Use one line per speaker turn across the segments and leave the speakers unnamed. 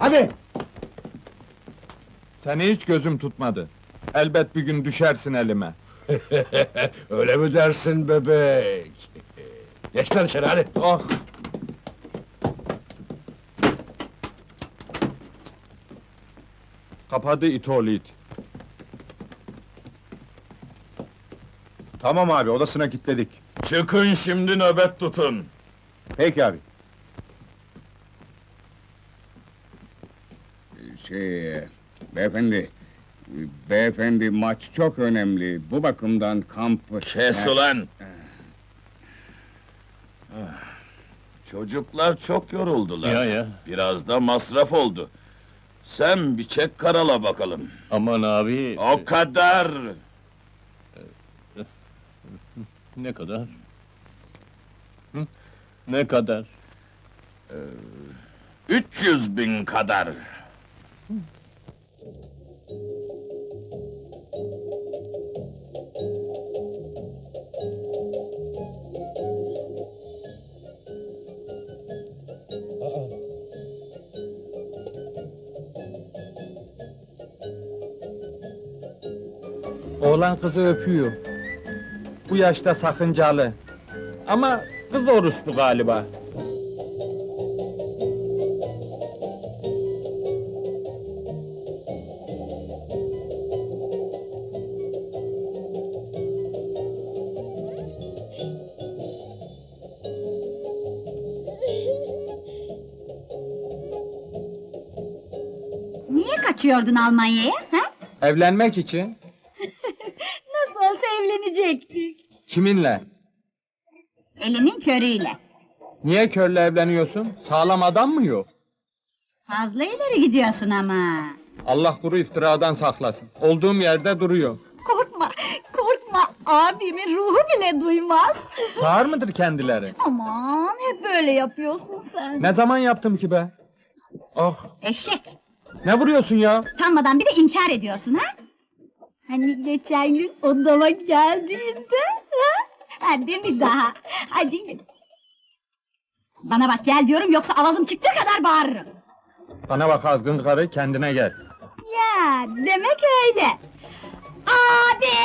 Hadi!
Seni hiç gözüm tutmadı. Elbet bir gün düşersin elime.
Öyle mi dersin bebek? Geç lan içeri hadi!
Ah! Kapadı it oğlu it.
Tamam abi, odasına kilitledik.
Çıkın şimdi nöbet tutun.
Peki abi.
Beyefendi maç çok önemli. Bu bakımdan kamp...
Kes ulan! Çocuklar çok yoruldular.
Ya.
Biraz da masraf oldu. Sen bir çek karala bakalım.
Aman abi.
O kadar!
Ne kadar? Hı? Ne kadar?
300.000 kadar.
Oğlan kızı öpüyor. Bu yaşta sakıncalı. Ama kız orospu galiba.
Niye kaçıyordun Almanya'ya, ha?
Evlenmek için.
Nasıl olsa evlenecektik.
Kiminle?
Elinin körüyle.
Niye körle evleniyorsun? Sağlam adam mı yok?
Fazla ileri gidiyorsun ama.
Allah kuru iftiradan saklasın. Olduğum yerde duruyor.
Korkma, korkma. Abimin ruhu bile duymaz.
Sağır mıdır kendileri?
Aman, hep böyle yapıyorsun sen.
Ne zaman yaptım ki be? Ah!
Eşek.
Ne vuruyorsun ya?
Utanmadan bir de inkar ediyorsun, ha? Hani geçen gün odama geldiğinde, ha? Hadi bir daha, hadi. Bana bak, gel diyorum, yoksa avazım çıktığı kadar bağırırım.
Bana bak azgın karı, kendine gel.
Ya, demek öyle. Abi!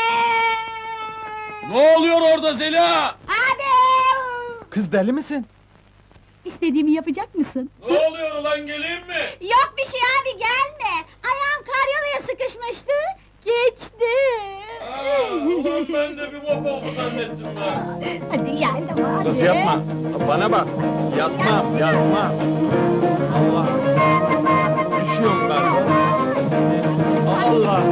Ne oluyor orada Zeliha?
Abi!
Kız deli misin?
İstediğimi yapacak mısın?
Ne oluyor ulan, geleyim mi?
Yok bir şey abi, gelme. Ayağım karyolaya sıkışmıştı. Geçti.
Ulan ben de bir bok oldu zannettim ben.
Hadi gel hadi.
Kız yapma. Bana bak. Yapma. Allah. Düşüyorum ben. Allah.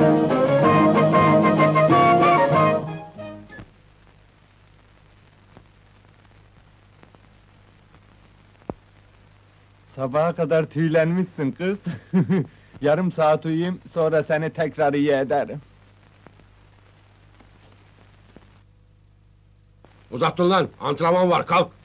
Sabaha kadar tüylenmişsin kız. Yarım saat uyuyayım, sonra seni tekrar iyi ederim.
Uzattın lan, antrenman var, kalk!